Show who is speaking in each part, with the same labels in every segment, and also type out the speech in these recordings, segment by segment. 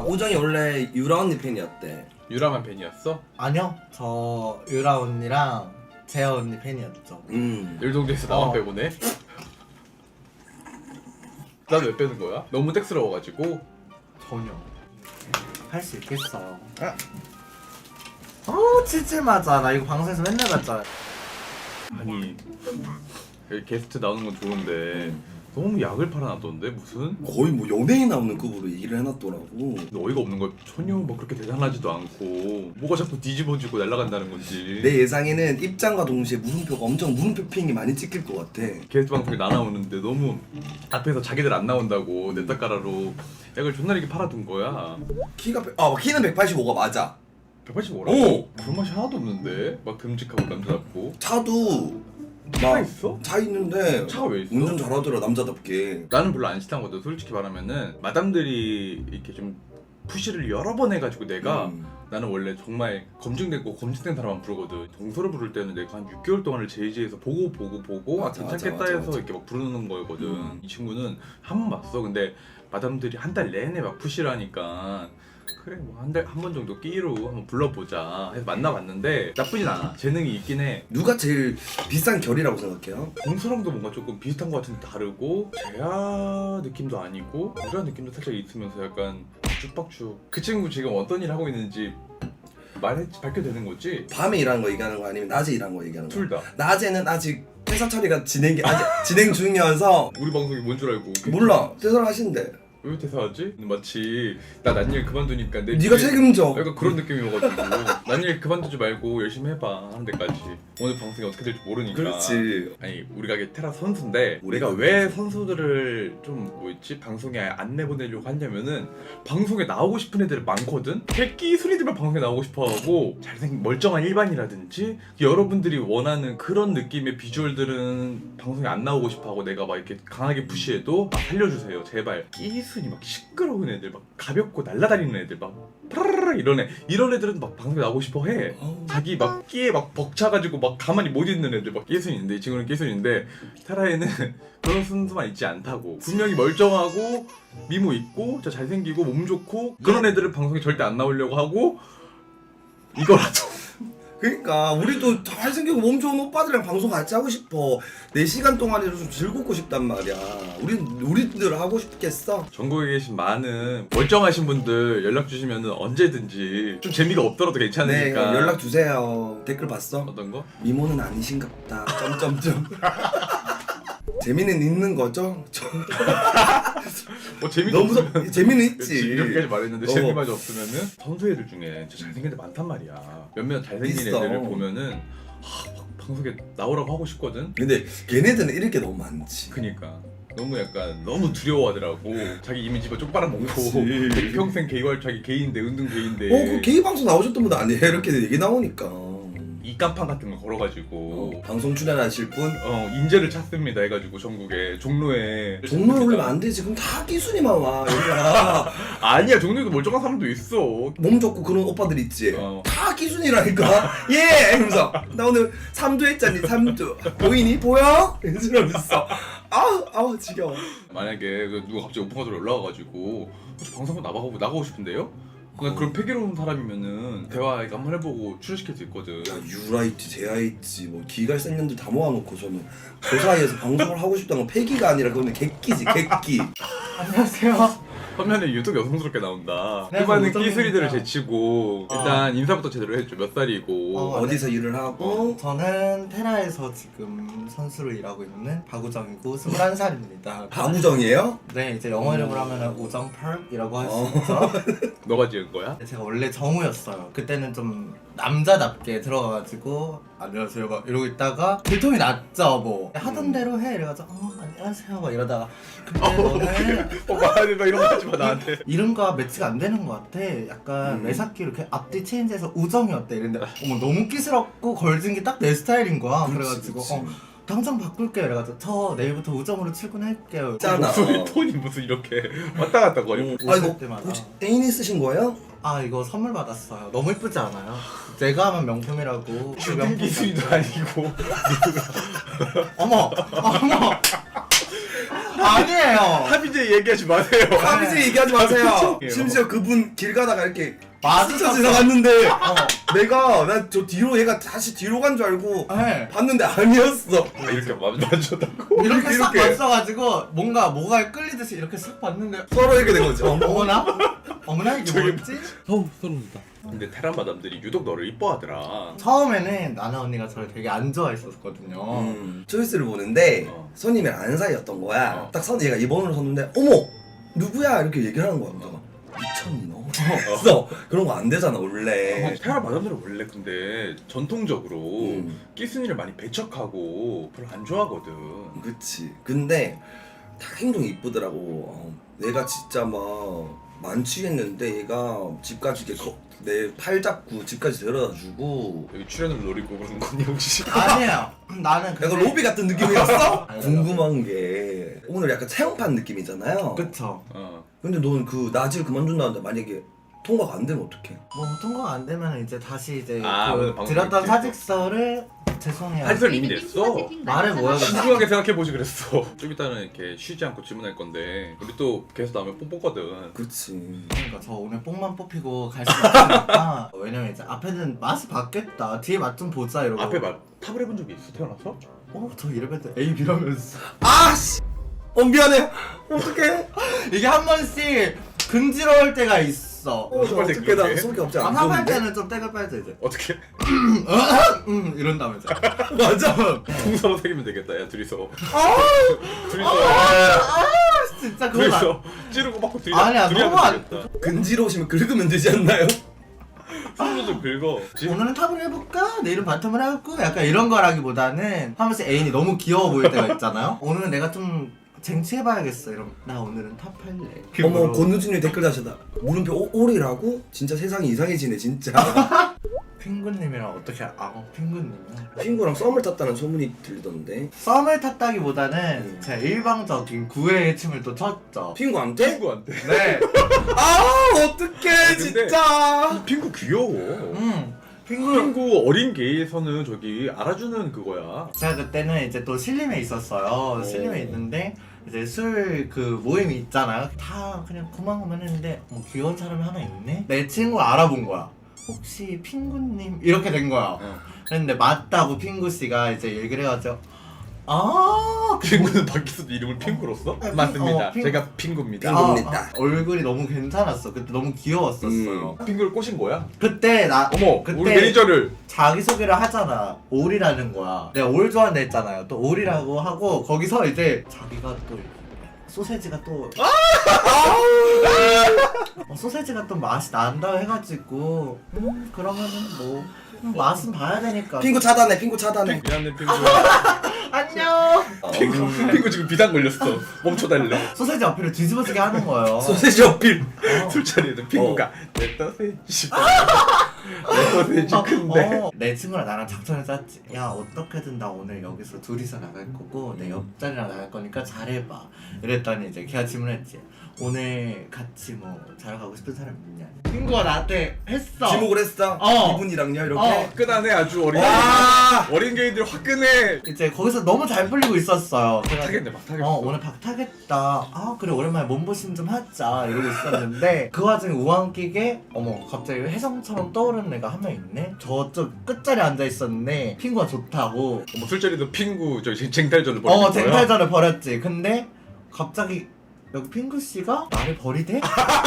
Speaker 1: 우정이 원래 유라 언니 팬이었대.
Speaker 2: 유라만 팬이었어?
Speaker 3: 아니요, 저 유라 언니랑 재아 언니 팬이었죠.
Speaker 2: 일동대에서 나만 빼고네? 난 왜 빼는 거야? 너무 땡스러워가지고.
Speaker 3: 전혀 할 수 있겠어. 칠칠 맞아. 나 이거 방송에서 맨날 봤잖아.
Speaker 2: 아니 여기 게스트 나오는 건 좋은데 너무 약을 팔아놨던데 무슨?
Speaker 1: 거의 뭐 연예인 나오는 급으로 얘기를 해놨더라고.
Speaker 2: 근데 어이가 없는 거야. 전혀 뭐 그렇게 대단하지도 않고 뭐가 자꾸 뒤집어지고 날아간다는 건지.
Speaker 1: 내 예상에는 입장과 동시에 물음표가 엄청 물음표 핑이 많이 찍힐 것 같아.
Speaker 2: 게스트 방송에 나 나오는데 너무 앞에서 자기들 안 나온다고 내 닦아라로 약을 존나 이렇게 팔아둔 거야.
Speaker 1: 키는 185가 맞아.
Speaker 2: 185라고?
Speaker 1: 오!
Speaker 2: 그런 맛이 하나도 없는데? 막 듬직하고 남자답고.
Speaker 1: 차도
Speaker 2: 차가 있어?
Speaker 1: 차 있는데
Speaker 2: 차가 왜 있어?
Speaker 1: 운전 잘하더라 남자답게.
Speaker 2: 나는 별로 안 싫다는 거든. 솔직히 말하면은 마담들이 이렇게 좀 푸시를 여러 번 해가지고 내가 나는 원래 정말 검증됐고 검증된 사람만 부르거든. 동서를 부를 때는 내가 한 6개월 동안을 제이지에서 보고
Speaker 1: 맞아,
Speaker 2: 괜찮겠다
Speaker 1: 맞아,
Speaker 2: 해서
Speaker 1: 맞아.
Speaker 2: 이렇게 막 부르는 거였거든. 이 친구는 한 번 봤어. 근데 마담들이 한 달 내내 막 푸시를 하니까 그래 뭐 한 번 정도 끼로 한번 불러보자 해서 만나봤는데 나쁘진 않아. 재능이 있긴 해.
Speaker 1: 누가 제일 비싼 결이라고 생각해요?
Speaker 2: 동서랑도 뭔가 조금 비슷한 것 같은데 다르고 제아 느낌도 아니고 유라 느낌도 살짝 있으면서 약간 쭉박쭉. 그 친구 지금 어떤 일 하고 있는지 밝혀도 되는 거지?
Speaker 1: 밤에 일하는 거 얘기하는 거 아니면 낮에 일하는 거 얘기하는 거?
Speaker 2: 둘 다.
Speaker 1: 낮에는 아직 회사 처리가 아직 진행 중이어서
Speaker 2: 우리 방송이 뭔 줄 알고
Speaker 1: 몰라. 퇴사를 하신대.
Speaker 2: 왜 퇴사하지? 마치 나 난 일 그만두니까 내
Speaker 1: 네가
Speaker 2: 뒤에
Speaker 1: 책임져.
Speaker 2: 약간 그런 느낌이어가지고 난 일 그만두지 말고 열심히 해봐 하는 데까지. 오늘 방송이 어떻게 될지 모르니까.
Speaker 1: 그렇지.
Speaker 2: 아니 우리가 이게 테라 선수인데
Speaker 1: 우리가
Speaker 2: 우리가 왜 선수들을 좀 뭐였지 방송에 안 내보내려고 하냐면은 방송에 나오고 싶은 애들 많거든. 새끼 순이들만 방송에 나오고 싶어하고 잘생긴 멀쩡한 일반이라든지 여러분들이 원하는 그런 느낌의 비주얼들은 방송에 안 나오고 싶어하고 내가 막 이렇게 강하게 푸시해도 살려주세요 제발. 끼순이 막 시끄러운 애들 막 가볍고 날라다니는 애들 막 파라라라 이런 애들은 막 방송에 나오고 싶어해. 자기 막 끼에 막 벅차가지고 막 가만히 못 있는 애들 막 끼순인데 이 친구는 끼순인데 테라에는 그런 순수만 있지 않다고. 분명히 멀쩡하고 미모 있고 저 잘생기고 몸 좋고 그런 애들은 방송에 절대 안 나오려고 하고 이거라도
Speaker 1: 그러니까 우리도 잘생기고 몸 좋은 오빠들이랑 방송 같이 하고 싶어. 4시간 동안이라도 좀 즐겁고 싶단 말이야. 우리들 하고 싶겠어?
Speaker 2: 전국에 계신 많은 멀쩡하신 분들 연락 주시면 언제든지 좀 재미가 없더라도
Speaker 1: 네,
Speaker 2: 괜찮으니까
Speaker 1: 연락 주세요. 댓글 봤어?
Speaker 2: 어떤 거?
Speaker 1: 미모는 아니신갑다. 점점점. 재미는 있는 거죠?
Speaker 2: 뭐 재미도
Speaker 1: 너무
Speaker 2: 없으면
Speaker 1: 재미는 있지.
Speaker 2: 그치, 이렇게까지 말했는데 재미마저 없으면은 선수 애들 중에 진짜 잘생긴 애들 많단 말이야. 몇몇 잘생긴
Speaker 1: 있어.
Speaker 2: 애들을 보면은 막 방송에 나오라고 하고 싶거든.
Speaker 1: 근데 걔네들은 이럴 게 너무 많지.
Speaker 2: 그니까 너무 약간 너무 두려워하더라고. 자기 이미지가 쪽 빨아먹고
Speaker 1: 그치.
Speaker 2: 평생 게이활 자기 게이인데 은둔 게이인데
Speaker 1: 그 게이 방송 나오셨던 분 아니에요? 이렇게 얘기 나오니까.
Speaker 2: 이 깜판 같은 거 걸어가지고
Speaker 1: 방송 출연하실 분?
Speaker 2: 인재를 찾습니다 해가지고 전국에 종로에
Speaker 1: 종로에 올리면 안 되지. 그럼 다 끼순이만 와. 여기가.
Speaker 2: 아니야 종로에도 멀쩡한 사람도 있어.
Speaker 1: 몸 좋고 그런 오빠들 있지.
Speaker 2: 어.
Speaker 1: 다 끼순이라니까. 예! 이러면서 나 오늘 3두 했잖니. 3두. 보이니? 보여? 이러면서 아우 지겨워.
Speaker 2: 만약에 누가 갑자기 오픈카드로 올라와가지고 혹시 방송 한번 나가고 싶은데요? 그냥 그런 패기로운 사람이면은 대화 한번 해보고 출연시킬 수 있거든.
Speaker 1: 야 유라 있지, 제아 있지, 뭐 기갈 생년들 다 모아놓고 저는 그 사이에서 방송을 하고 싶다는 건 패기가 아니라 그거는 객기지, 객기.
Speaker 3: 안녕하세요.
Speaker 2: 화면에 유독 여성스럽게 나온다.
Speaker 3: 네,
Speaker 2: 수많은
Speaker 3: 어쩌니까.
Speaker 2: 끼수리들을 제치고 일단 인사부터 제대로 해줘. 몇 살이고
Speaker 1: 어디서 일을 하고
Speaker 3: 저는 테라에서 지금 선수로 일하고 있는 박우정이고 21살입니다.
Speaker 1: 박우정이에요?
Speaker 3: 네, 이제 영어 이름으로 하면 우정펄이라고 할 수 있죠.
Speaker 2: 너가 지은 거야?
Speaker 3: 제가 원래 정우였어요. 그때는 좀 남자답게 들어가가지고 안녕하세요 막 이러고 있다가 들통이 났죠 뭐 하던 대로 해 이래가지고 안녕하세요 막 이러다가 근데 너는
Speaker 2: 말하지 마 이런 거 하지 마 나한테.
Speaker 3: 이름과 매치가 안 되는 것 같아. 약간 매사키 이렇게 앞뒤 체인지해서 우정이 어때 이랬는데 어머 너무 끼스럽고 걸진 게 딱 내 스타일인 거야. 그래가지고 당장 바꿀게요 이래가지고 저 내일부터 우정으로 출근할게요.
Speaker 1: 짠아.
Speaker 2: 목소리 톤이 무슨 이렇게 왔다 갔다 거려.
Speaker 1: 아 이거
Speaker 3: 때마다.
Speaker 1: 혹시 애인이 쓰신 거예요?
Speaker 3: 아 이거 선물 받았어요. 너무 예쁘지 않아요? 제가 하면 명품이라고.
Speaker 2: 주된 기술도 아니고
Speaker 3: 어머 아니에요.
Speaker 2: 합의제 얘기하지 마세요.
Speaker 1: 합의제 얘기하지 마세요.
Speaker 2: 예.
Speaker 1: 심지어 그분 길 가다가 이렇게
Speaker 3: 맞아.
Speaker 1: 스쳐 지나갔는데 내가 난 저 뒤로 얘가 다시 뒤로 간 줄 알고
Speaker 3: 네.
Speaker 1: 봤는데 아니었어.
Speaker 2: 이렇게 만져다고.
Speaker 3: 이렇게 싹
Speaker 1: 이렇게.
Speaker 3: 봤어가지고 뭐가 끌리듯이 이렇게 싹 봤는데
Speaker 1: 서로 이렇게 된 거지.
Speaker 3: 어머나? 어머나 이게 뭐였지?
Speaker 2: 어우 소름 돋아. 근데 테란 마담들이 유독 너를 이뻐하더라.
Speaker 3: 처음에는 나나 언니가 저를 되게 안 좋아했었거든요.
Speaker 1: 초이스를 보는데
Speaker 2: 어.
Speaker 1: 선임이랑 안 사이였던 거야.
Speaker 2: 어.
Speaker 1: 딱 얘가 2번으로 섰는데 어머 누구야 이렇게 얘기를 하는 거야. 내가 미쳤니 너? 그래서 그런 거 안 되잖아 원래.
Speaker 2: 테란 마담들은 원래 근데 전통적으로 끼순이를 많이 배척하고 별로 안 좋아하거든.
Speaker 1: 그치. 근데 다 행동이 이쁘더라고. 내가 진짜 막 만취했는데 얘가 집까지 이렇게 내 팔 잡고 집까지 데려다 주고.
Speaker 2: 여기 출연을 노리고 그러는 거니 혹시?
Speaker 3: 아니에요. 나는
Speaker 1: 약간 로비 같은 느낌이었어?
Speaker 3: 아니,
Speaker 1: 궁금한 게 오늘 약간 체험판 느낌이잖아요.
Speaker 3: 그쵸.
Speaker 2: 어.
Speaker 1: 근데 넌 그 나질 그만둔다는데 만약에 통과가 안 되면 어떡해?
Speaker 3: 뭐 통과가 안 되면 이제 다시 이제
Speaker 2: 아, 오늘
Speaker 3: 그
Speaker 2: 방송
Speaker 3: 드렸던
Speaker 2: 있지?
Speaker 3: 사직서를 죄송해요.
Speaker 2: 사직서를 이미 냈어?
Speaker 3: 말을 뭐 해야겠어?
Speaker 2: 신중하게 생각해보지 그랬어. 좀 이따는 이렇게 쉬지 않고 질문할 건데 우리 또 계속 나오면 뽕뽕거든.
Speaker 1: 그치.
Speaker 3: 그러니까 저 오늘 뽕만 뽑히고 갈 수 없으니까 왜냐면 이제 앞에는 맛이 바뀌었다. 뒤에 맛 좀 보자 이러고.
Speaker 2: 앞에 말 탑을 해본 적이 있어 태어나서?
Speaker 3: 저 이러면 A B라면서
Speaker 1: 아씨! 미안해. 어떡해?
Speaker 3: 이게 한 번씩 근지러울 때가 있어.
Speaker 1: 어떡해 나 속이 없지 않아.
Speaker 3: 방송할 때는 좀 때가 빨리 이제
Speaker 2: 어떻게?
Speaker 3: 이런다면서.
Speaker 1: 맞아.
Speaker 2: 동서로 새기면 되겠다 야 둘이서. 둘이서
Speaker 3: 진짜 그거 나.
Speaker 2: 둘이서 찌르고 받고 둘이
Speaker 3: 아니야,
Speaker 2: 둘이
Speaker 3: 너무
Speaker 2: 하면 되겠다.
Speaker 1: 근지러우시면 긁으면 되지 않나요?
Speaker 2: 손으로 좀 긁어.
Speaker 3: 오늘은 탑을 해볼까? 내일은 바텀을 해볼까? 약간 이런 거라기보다는 한 번씩 애인이 너무 귀여워 보일 때가 있잖아요. 오늘은 내가 좀 쟁취해봐야겠어. 이러면 나 오늘은 탑 할래.
Speaker 1: 어머 권우진님 댓글 다시다. 물음표 오리라고? 진짜 세상이 이상해지네 진짜.
Speaker 3: 핑구님이랑 어떻게 핑구님이랑
Speaker 1: 핑구랑 썸을 탔다는 소문이 들리던데.
Speaker 3: 썸을 탔다기보다는 제가 일방적인 구애의 춤을 또 췄죠.
Speaker 1: 핑구한테?
Speaker 2: 핑구한테.
Speaker 3: 네.
Speaker 1: 어떡해
Speaker 2: 근데-
Speaker 1: 진짜.
Speaker 2: 핑구 귀여워.
Speaker 3: 핑구.
Speaker 2: 핑구 어린 게에서는 저기 알아주는 그거야.
Speaker 3: 제가 그때는 이제 또 신림에 있었어요. 신림에 있는데 이제 술 그 모임이 있잖아요. 다 그냥 고만고만 했는데 귀여운 사람이 하나 있네? 내 친구 알아본 거야. 혹시 핑구님? 이렇게 된 거야. 그랬는데 맞다고 핑구씨가 이제 얘기를 해가지고
Speaker 2: 핑구는 밖에서도 이름을 핑구로 써? 맞습니다.
Speaker 3: 핑-
Speaker 2: 제가 핑구입니다.
Speaker 1: 핑구입니다.
Speaker 3: 얼굴이 너무 괜찮았어. 그때 너무 귀여웠었어요.
Speaker 2: 핑구를 꼬신 거야?
Speaker 3: 그때
Speaker 2: 어머,
Speaker 3: 그때
Speaker 2: 우리 매니저를.
Speaker 3: 자기소개를 하잖아. 올이라는 거야. 내가 올 좋아한다 했잖아요. 또 올이라고 하고 거기서 이제 자기가 또 소세지가 또 소세지가 또 맛이 난다 해가지고 그러면은 뭐 맛은 봐야 되니까.
Speaker 1: 핑구 차단해. 핑구 차단해.
Speaker 2: 미안해 핑구.
Speaker 3: 안녕.
Speaker 2: 핑구 지금 비단 걸렸어. 멈춰달래.
Speaker 3: 소세지 어필을 뒤집어지게 하는 거예요.
Speaker 1: 소세지 어필.
Speaker 2: 술자리에서 핑구가 내 소세지. 내 소세지 큰데.
Speaker 3: 내 친구랑 나랑 작전을 짰지. 야 어떻게든 나 오늘 여기서 둘이서 나갈 거고 내 옆자리랑 나갈 거니까 잘해봐. 이랬더니 이제 걔가 질문했지. 오늘 같이 뭐 자러 가고 싶은 사람 있냐? 친구가 나한테 했어.
Speaker 1: 지목을 했어. 이분이랑요 이렇게.
Speaker 2: 화끈하네 아주 어린
Speaker 1: 와.
Speaker 2: 어린 게이들 화끈해.
Speaker 3: 이제 거기서 너무 잘 풀리고 있었어요. 그래가지고
Speaker 2: 타겠네 막 타겠어.
Speaker 3: 오늘 박 타겠다. 그래 오랜만에 몸보신 좀 하자 이러고 있었는데 그 와중에 우왕끼게 갑자기 혜성처럼 떠오르는 애가 한 명 있네. 저쪽 끝자리에 앉아 있었는데 핑구가 좋다고.
Speaker 2: 뭐 술자리도 핑구 저기 쟁탈전을 벌이는 거야.
Speaker 3: 쟁탈전을 벌였지. 근데 갑자기 여기 핑구 씨가 나를 버리대?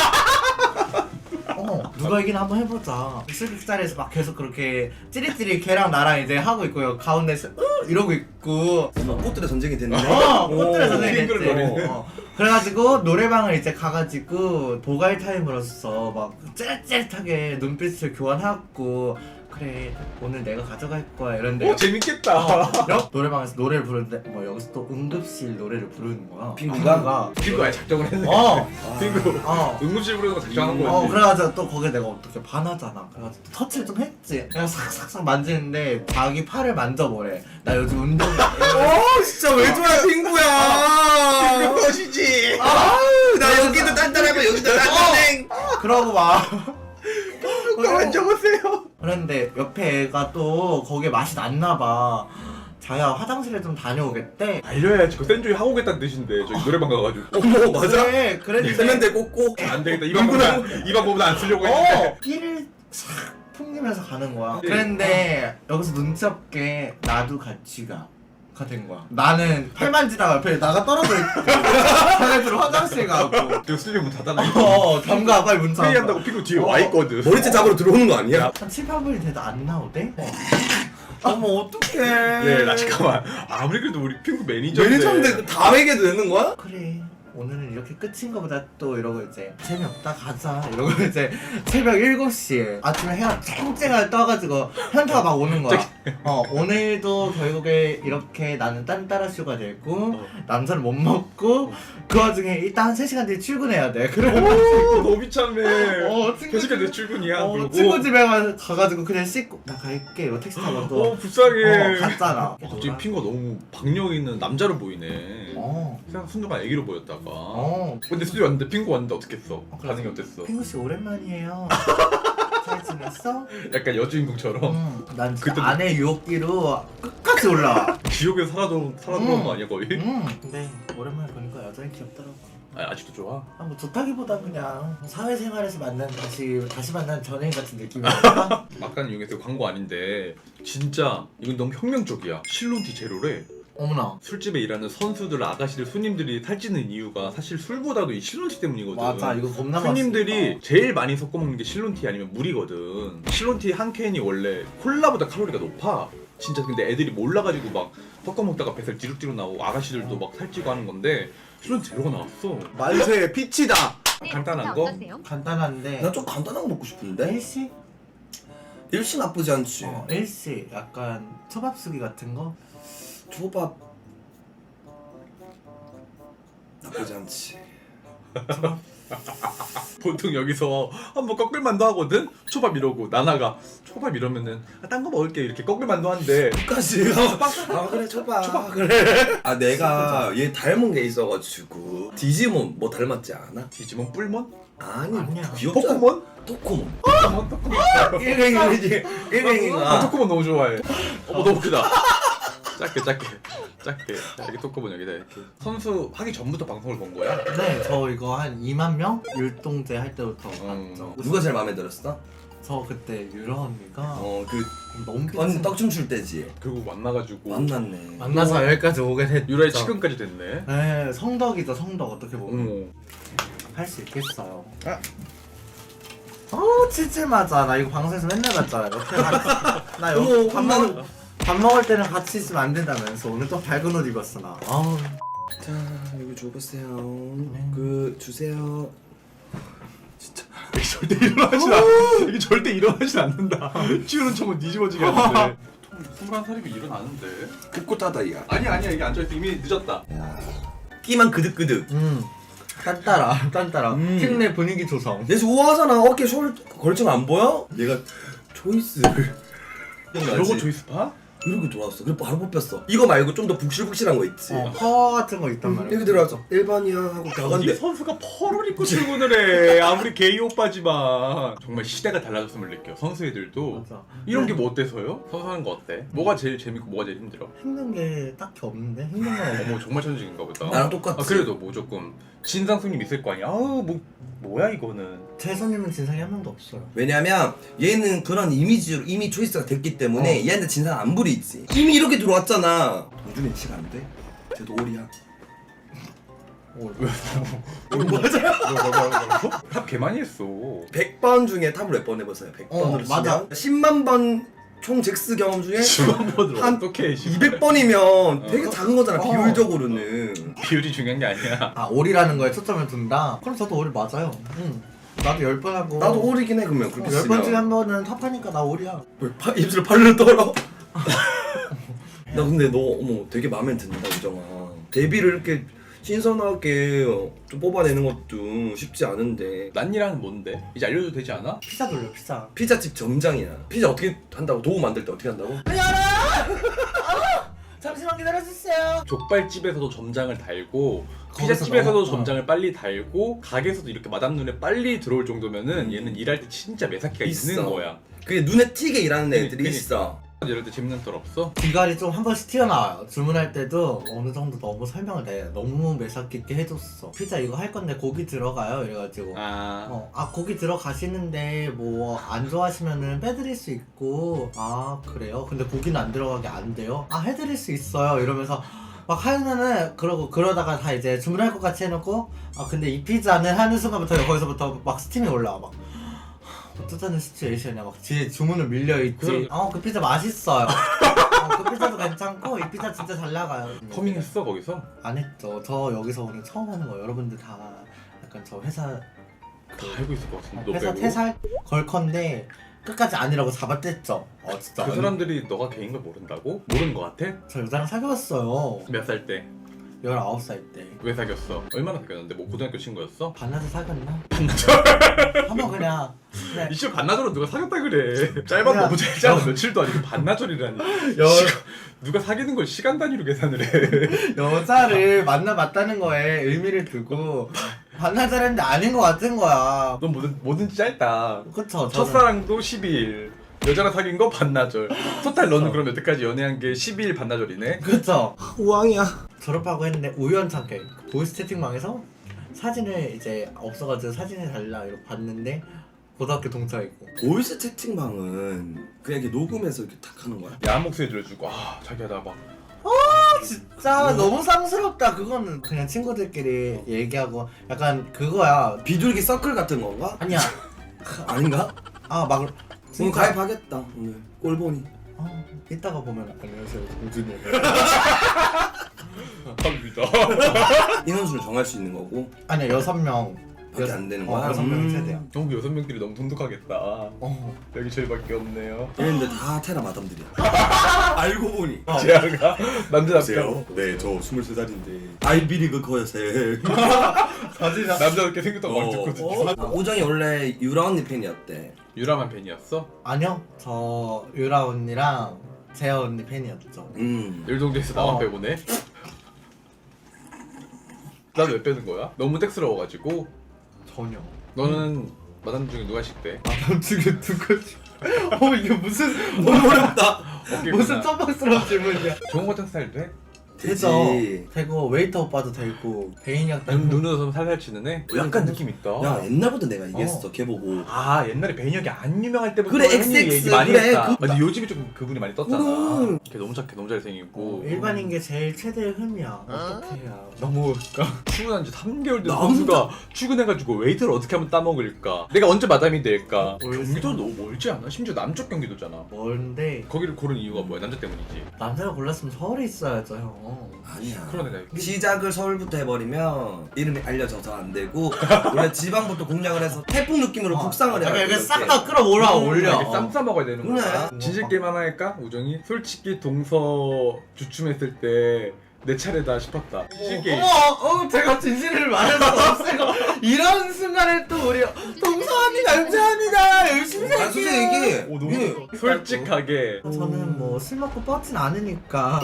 Speaker 3: 누가 이기나 한번 해보자. 술객자리에서 막 계속 그렇게 찌릿찌릿 걔랑 나랑 이제 하고 있고요. 가운데서 이러고 있고.
Speaker 1: 꽃들의 전쟁이 됐네.
Speaker 3: 꽃들의 전쟁이 됐지.
Speaker 2: 핑크를 노리는.
Speaker 3: 그래가지고 노래방을 이제 가가지고 보갈 타임으로서 막 찌릿찌릿하게 눈빛을 교환하고 그래 오늘 내가 가져갈 거야 이런데
Speaker 2: 재밌겠다.
Speaker 3: 노래방에서 노래를 부르는데 여기서 또 응급실 노래를 부르는 거야.
Speaker 1: 핑구가?
Speaker 2: 핑구 아예 작정을 했네. 핑구 응급실 부르는 거 작정한 거지.
Speaker 3: 그래가지고 또 거기에 내가 어떻게 반하잖아. 그래가지고 또 터치를 좀 했지. 그냥 싹싹싹 만지는데 자기 팔을 만져보래. 나 요즘 운동
Speaker 1: 진짜 왜 좋아해 핑구야.
Speaker 2: 핑구 것이지.
Speaker 1: 나 여기도 단단하고 여기도 단단해.
Speaker 3: 그러고 막
Speaker 2: 핑구 만져보세요.
Speaker 3: 그런데 옆에 애가 또 거기에 맛이 났나봐. 자야 화장실에 좀 다녀오겠대.
Speaker 2: 알려야지. 그 센조이 하고 오겠다는 뜻인데 저기 노래방 가가지고
Speaker 1: 어머 맞아?
Speaker 3: 그래 그랬는데
Speaker 1: 세면대 꽂고
Speaker 2: 안 되겠다. 이 방법은 안 쓰려고 했는데
Speaker 3: 피를 싹 풍기면서 가는 거야.
Speaker 2: 네.
Speaker 3: 그랬는데 여기서 눈치 없게 나도 같이 된 거야. 나는 팔 만지다가 옆에 나가 떨어져 있고 자네들 화장실 가고
Speaker 2: 저 스튜디오 문 닫아놔.
Speaker 3: 잠가 빨리 문 닫아.
Speaker 2: 회의한다고 피고 뒤에 와 있거든.
Speaker 1: 머리채 잡으러 들어오는 거 아니야?
Speaker 3: 한 7, 8분이 돼도 안 나오대? 어머 어떡해.
Speaker 2: 네, 나 잠깐만. 아무리 그래도 우리 핑크 매니저인데.
Speaker 1: 매니저인데 다 매겨도 되는 거야?
Speaker 3: 그래 오늘은 이렇게 끝인 거보다 또 이러고 이제 재미없다 가자 이러고 이제 새벽 7시에 아침에 해가 쨍쨍하게 떠가지고 현타가 막 오는 거야. 오늘도 결국에 이렇게 나는 딴따라쇼가 되고 남자를 못 먹고 그 와중에 일단 한 3시간 뒤에 출근해야 돼. 그래가지고
Speaker 2: 너무 비참해.
Speaker 3: 친구
Speaker 2: 3시간 내 출근이야. 그러고.
Speaker 3: 친구 집에 가가지고 그냥 씻고 나 갈게 이러고 택시 타고 또
Speaker 2: 불쌍해.
Speaker 3: 갔잖아.
Speaker 2: 갑자기 핑거 너무 박력 있는 남자로 보이네.
Speaker 3: 어.
Speaker 2: 생각 순간 애기로 보였다가.
Speaker 3: 어.
Speaker 2: 근데 스튜디오 왔는데 핑거 왔는데 어떻게 했어? 반응이 어땠어?
Speaker 3: 핑구씨 오랜만이에요. 잘 지냈어?
Speaker 2: 약간 여주인공처럼
Speaker 3: 난 진짜
Speaker 2: 그때도-
Speaker 3: 아내 유혹기로 끝까지 올라와.
Speaker 2: 지옥에서 살아들어온 거 아니야 거의?
Speaker 3: 근데 오랜만에 보니까 여전히 귀엽더라고.
Speaker 2: 아직도 좋아?
Speaker 3: 뭐 좋다기보다 그냥 사회생활에서 만난 다시 만난 전애인 같은 느낌이랄까?
Speaker 2: 막간 이용해서 광고 아닌데 진짜 이건 너무 혁명적이야. 실론티 제로래.
Speaker 3: 어머나.
Speaker 2: 술집에 일하는 선수들, 아가씨들, 손님들이 살찌는 이유가 사실 술보다도 이 실론티 때문이거든.
Speaker 3: 맞아 이거 겁나
Speaker 2: 손님들이 제일 많이 섞어 먹는 게 실론티 아니면 물이거든. 실론티 한 캔이 원래 콜라보다 칼로리가 높아. 진짜 근데 애들이 몰라가지고 막 섞어 먹다가 뱃살 뒤룩뒤룩 나오고 아가씨들도 막 살찌고 하는 건데 실론티 제로가 나왔어.
Speaker 1: 만세 피치다.
Speaker 2: 간단한 거?
Speaker 3: 간단한데.
Speaker 1: 나 좀 간단한 거 먹고 싶은데?
Speaker 3: 일시?
Speaker 1: 일시 나쁘지 않지.
Speaker 3: 일시 약간 초밥수기 같은 거?
Speaker 1: 초밥 나쁘지 않지.
Speaker 2: 보통 여기서 한번 꺾을만도 하거든? 초밥 이러고 나나가 초밥 이러면은 딴 거 먹을게 이렇게 꺾을만도 한데
Speaker 1: 끝까지. 아 그래 초밥. 그래. 아 내가 얘 닮은 게 있어가지고 디지몬 뭐 닮았지 않아?
Speaker 2: 디지몬 뿔몬?
Speaker 1: 아니
Speaker 3: 아니야.
Speaker 1: 귀엽잖아.
Speaker 2: 포코몬?
Speaker 1: 토코몬.
Speaker 2: 토코몬
Speaker 1: 일행이지.
Speaker 2: 아,
Speaker 1: 일행이가.
Speaker 2: 토코몬 너무 좋아해. 너무 크다. 작게 이렇게 토코몬 여기다 이렇게 선수 하기 전부터 방송을 본 거야?
Speaker 3: 네, 저 이거 한 2만 명 율동제 할 때부터 봤죠.
Speaker 1: 누가 제일 마음에 들었어?
Speaker 3: 저 그때 유라 언니가
Speaker 1: 그
Speaker 3: 너무
Speaker 1: 언니 떡춤 출 때지.
Speaker 2: 결국 만나가지고
Speaker 1: 만났네.
Speaker 3: 만나서 여기까지 오게 됐죠.
Speaker 2: 유라의 치근까지 됐네.
Speaker 3: 네, 성덕이죠, 성덕 어떻게 보면
Speaker 2: 어머.
Speaker 3: 할 수 있겠어요. 치즈 맞아. 나 이거 방송에서 맨날 봤잖아. 나
Speaker 1: 어머,
Speaker 3: 여기
Speaker 1: 혼나는-
Speaker 3: 밥 먹을 때는 같이 있으면 안 된다면서 오늘 또 밝은 옷 입었어 나. 아우.
Speaker 1: 자 여기 줘보세요. 그 주세요.
Speaker 2: 이게 절대 일어나진 않. 이게 절대 일어나진 않는다. 치우는 척은 뒤집어지게 하는데. 21살이면 일어나는데.
Speaker 1: 꿋꿋하다야.
Speaker 2: 아니야 이게 앉아있어. 이미 늦었다.
Speaker 1: 끼만 그득그득.
Speaker 3: 딴따라. 팀 내 분위기 조성.
Speaker 1: 얘 우아하잖아. 어깨 걸치면 안 보여? 얘가 초이스를.
Speaker 2: 이러고 조이스파?
Speaker 1: 이렇게 돌아왔어. 그래 바로 뽑혔어. 이거 말고 좀 더 북실북실한 거 있지.
Speaker 3: 퍼 같은 거 있단 말이야.
Speaker 1: 여기 들어와서 1번이야 하고
Speaker 2: 이
Speaker 1: 나간대.
Speaker 2: 선수가 펄을 입고 출근을 해. 아무리 게이 오빠지만. 정말 시대가 달라졌음을 느껴. 선수 애들도.
Speaker 3: 맞아.
Speaker 2: 이런 게 뭐 어때서요? 선수 하는 거 어때? 뭐가 제일 재밌고 뭐가 제일 힘들어?
Speaker 3: 힘든 게 딱히 없는데 힘든 건 없어.
Speaker 2: 어머 정말 천직인가 보다.
Speaker 1: 나랑 똑같지.
Speaker 2: 아, 그래도 뭐 조금 진상 손님 있을 거 아니야. 아우 뭐야 이거는.
Speaker 3: 제 손님은 진상이 한 명도 없어요.
Speaker 1: 왜냐면 얘는 그런 이미지로 이미 초이스가 됐기 때문에 얘한테 진상 안 부리지. 이미 이렇게 들어왔잖아. 동준이 치가 안 돼? 쟤도 올이야.
Speaker 2: 탑 개 많이 했어.
Speaker 1: 100번 중에 탑을 몇 번 해보세요. 100번으로
Speaker 3: 맞아.
Speaker 1: 10만 번 총 잭스 경험 중에
Speaker 2: 10만 번으로
Speaker 1: 한
Speaker 2: 어떻게
Speaker 1: 200번이면 되게 작은 거잖아. 비율적으로는.
Speaker 2: 비율이 중요한 게 아니야.
Speaker 3: 아 올이라는 거에 초점을 둔다? 그럼 저도 올 맞아요. 나도 10번 하고
Speaker 1: 나도 올이긴 해 그러면 그렇게
Speaker 3: 10번 중에 한 번은 탑하니까 나 올이야.
Speaker 1: 왜 입술 팔로 떨어? 나 근데 너 어머 되게 마음에 든다 우정아. 데뷔를 이렇게 신선하게 좀 뽑아내는 것도 쉽지 않은데.
Speaker 2: 난이라는 뭔데? 이제 알려줘도 되지 않아?
Speaker 3: 피자 돌려 피자.
Speaker 1: 피자집 점장이야. 피자 어떻게 한다고? 도우 만들 때 어떻게 한다고?
Speaker 3: 잠시만 기다려주세요.
Speaker 2: 족발집에서도 점장을 달고
Speaker 3: 거기서
Speaker 2: 피자집에서도
Speaker 3: 너무-
Speaker 2: 점장을 빨리 달고 가게에서도 이렇게 마담 눈에 빨리 들어올 정도면은 얘는 일할 때 진짜 매사기가 있는
Speaker 1: 있어.
Speaker 2: 거야.
Speaker 1: 그게 눈에 띄게 일하는 애들이
Speaker 2: 그러니까.
Speaker 1: 있어.
Speaker 2: 이럴 때 짚는 털 없어?
Speaker 3: 귀갈이 좀 한 번씩 튀어나와요. 주문할 때도 어느 정도 너무 설명을 내. 너무 매사 깊게 해줬어. 피자 이거 할 건데 고기 들어가요? 이래가지고 고기 들어가시는데 뭐 안 좋아하시면은 빼드릴 수 있고. 아 그래요? 근데 고기는 안 들어가게 안 돼요? 아 해드릴 수 있어요. 이러면서 막 하면은 그러다가 다 이제 주문할 것 같이 해놓고 아 근데 이 피자는 하는 순간부터 거기서부터 막 스팀이 올라와. 막 어쩌자는 시츄에이션이야. 막 뒤에 주문을 밀려있지. 그 피자 맛있어요. 그 피자도 괜찮고 이 피자 진짜 잘 나가요.
Speaker 2: 커밍했어 거기서?
Speaker 3: 안 했죠. 저 여기서 오늘 처음 하는 거예요. 여러분들 다 약간 저 회사
Speaker 2: 다 알고 있을 것 같은데 너
Speaker 3: 회사
Speaker 2: 빼고?
Speaker 3: 퇴사할 걸컨데 끝까지 아니라고 잡아댔죠. 진짜.
Speaker 2: 그 사람들이 너가 개인 걸 모른다고? 모르는 것 같아?
Speaker 3: 저 여자랑 사귀었어요.
Speaker 2: 몇 살 때?
Speaker 3: 19살 때.
Speaker 2: 왜 사귀었어? 얼마나 사귀었는데? 뭐 고등학교 친구였어?
Speaker 3: 반나절 사귀었나?
Speaker 2: 반나절?
Speaker 3: 한번 그냥
Speaker 2: 이씨 반나절로 누가 사귀었다 그래. 짧아
Speaker 3: 그냥-
Speaker 2: 너무 짧잖아. 며칠도 아니고 반나절이라니. 누가 사귀는 걸 시간 단위로 계산을 해.
Speaker 3: 여자를 만나봤다는 거에 의미를 두고 반나절 했는데 아닌 것 같은 거야.
Speaker 2: 넌 뭐든지 짧다.
Speaker 3: 그쵸. 저는
Speaker 2: 첫사랑도 12일. 여자랑 사귄 거 반나절. 토탈 너는 그럼 여태까지 연애한 게 12일 반나절이네?
Speaker 3: 그쵸.
Speaker 1: 우왕이야.
Speaker 3: 졸업하고 했는데 우연찮게 보이스 채팅방에서 사진을 이제 없어가지고 사진을 달라 이렇게 봤는데 고등학교 동창이고.
Speaker 1: 보이스 채팅방은 그냥 이렇게 녹음해서 이렇게 탁 하는 거야?
Speaker 2: 야한 목소리 들려주고 자기야 나 막
Speaker 3: 진짜 너무 쌍스럽다. 그거는 그냥 친구들끼리 얘기하고 약간 그거야.
Speaker 1: 비둘기 서클 같은 건가?
Speaker 3: 아니야.
Speaker 1: 아닌가?
Speaker 3: 막
Speaker 1: 오늘 가입하겠다. 오늘 꼴보니.
Speaker 3: 이따가 보면 안녕하세요 공준이.
Speaker 2: 합니다.
Speaker 1: 인원수를 정할 수 있는 거고
Speaker 3: 아니야 6명.
Speaker 1: 밖에 안 되는 거야?
Speaker 3: 6명 세대야.
Speaker 2: 너무 6명끼리 너무 돈독하겠다. 여기 저희밖에 없네요.
Speaker 1: 얘네들 다 테라 마담들이야. 알고 보니.
Speaker 2: 지아가 남자답게
Speaker 1: 네, 저 23살인데 아이비리그 거여세.
Speaker 2: 남자답게 생겼다고 막 듣거든.
Speaker 1: 우정이 원래 유라 언니 팬이었대.
Speaker 2: 유라만 팬이었어?
Speaker 3: 아니요. 저 유라 언니랑 재아 언니 팬이었죠.
Speaker 2: 일동대에서 나만 빼보네. 난 왜 빼는 거야? 너무 땡스러워가지고.
Speaker 3: 전혀.
Speaker 2: 너는 마담 중에 누가 식대?
Speaker 3: 마담 중에 누구지? 이게 무슨
Speaker 1: 너무 어렵다.
Speaker 3: 무슨 깜빡스러운 질문이야.
Speaker 2: 좋은 거 땡스 돼?
Speaker 3: 되죠.
Speaker 1: 되지.
Speaker 3: 되고 웨이터 오빠도 되고 배인혁
Speaker 2: 눈으로 살살 치는 애? 약간 느낌 있다.
Speaker 1: 야, 옛날부터 내가 얘기했어. 걔 보고.
Speaker 2: 옛날에 배인혁이 안 유명할 때부터
Speaker 1: 그래,
Speaker 2: 형님이
Speaker 1: XX,
Speaker 2: 얘기 많이
Speaker 1: 그래,
Speaker 2: 했다.
Speaker 1: 그-
Speaker 2: 근데 요즘에 좀 그분이 많이 떴잖아.
Speaker 1: 그래.
Speaker 2: 걔 너무 착해, 너무 잘생기고.
Speaker 3: 일반인 게 제일 최대의 흠이야. 어떻게 해야?
Speaker 2: 너무 출근한 지 3개월 된 선수가 출근해가지고 웨이트를 어떻게 하면 따먹을까? 내가 언제 마담이 될까? 경기도 너무 멀지 않아? 심지어 남쪽 경기도잖아.
Speaker 3: 뭔데
Speaker 2: 거기를 고른 이유가 뭐야? 남자 때문이지.
Speaker 3: 남자가 골랐으면 서울에 있어야죠 형.
Speaker 1: 아니야.
Speaker 2: 그러네 내가.
Speaker 1: 시작을 서울부터 해버리면 이름이 알려져서 안 되고 원래 지방부터 공략을 해서 태풍 느낌으로 북상을 해야 돼.
Speaker 3: 이렇게 싹 다 끌어올라 올려.
Speaker 2: 이렇게 쌈 싸먹어야 되는 거야.
Speaker 1: 그래.
Speaker 2: 진실 게임 하나 할까? 우정이? 솔직히 동서 주춤했을 때 내 차례다 싶었다. 진실 게임.
Speaker 3: 제가 진실을 말할 수 없어요. 이런 순간에 또 우리 동서 언니 감사합니다. 열심히
Speaker 1: 아, 솔직히
Speaker 3: 살게요.
Speaker 1: 얘기해.
Speaker 2: 오, 너무
Speaker 1: 예.
Speaker 2: 솔직하게.
Speaker 3: 저는 뭐 술 먹고 뻗진 않으니까.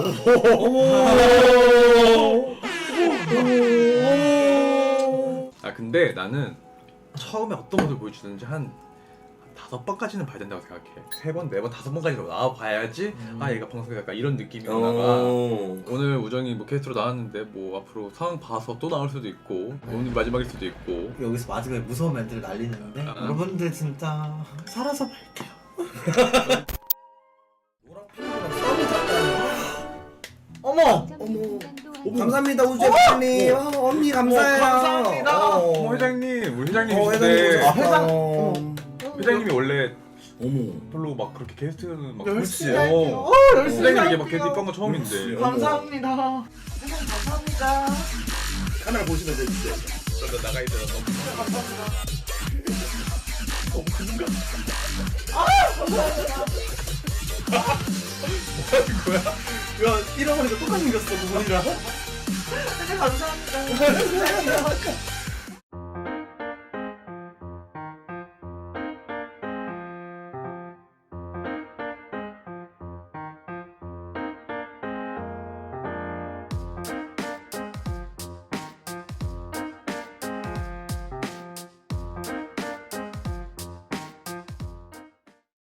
Speaker 2: 근데 나는 처음에 어떤 모습을 보여주든지 한 5번까지는 봐야 된다고 생각해. 3번, 4번, 5번까지는 나와봐야지 얘가 방송에 약간 이런 느낌이구나가. 오늘 우정이 뭐 게스트로 나왔는데 뭐 앞으로 상황 봐서 또 나올 수도 있고 오늘 마지막일 수도 있고.
Speaker 3: 여기서 마지막에 무서운 멘트를 날리는데 여러분들 진짜 살아서 볼게요. 어머!
Speaker 1: 감사합니다 우주 회장님. 언니 감사해요.
Speaker 3: 감사합니다.
Speaker 2: 어머 회장님, 우리 회장님
Speaker 1: 회장님.
Speaker 2: 계신데
Speaker 3: 회장.
Speaker 2: 회장님이 원래
Speaker 1: 어머.
Speaker 2: 별로 막 그렇게 게스트는 막
Speaker 3: 열심히
Speaker 2: 그렇지.
Speaker 3: 할게요. 열심히
Speaker 2: 회장님에게 막
Speaker 3: 할게요.
Speaker 2: 게스트 입한 거 처음인데.
Speaker 1: 그렇지.
Speaker 3: 감사합니다. 회장 감사합니다.
Speaker 1: 카메라 보시면 되는데.
Speaker 2: 나 나가 있어.
Speaker 3: 야, 잃어버리고 똑같이 생겼어, 그분이랑. 회장 감사합니다.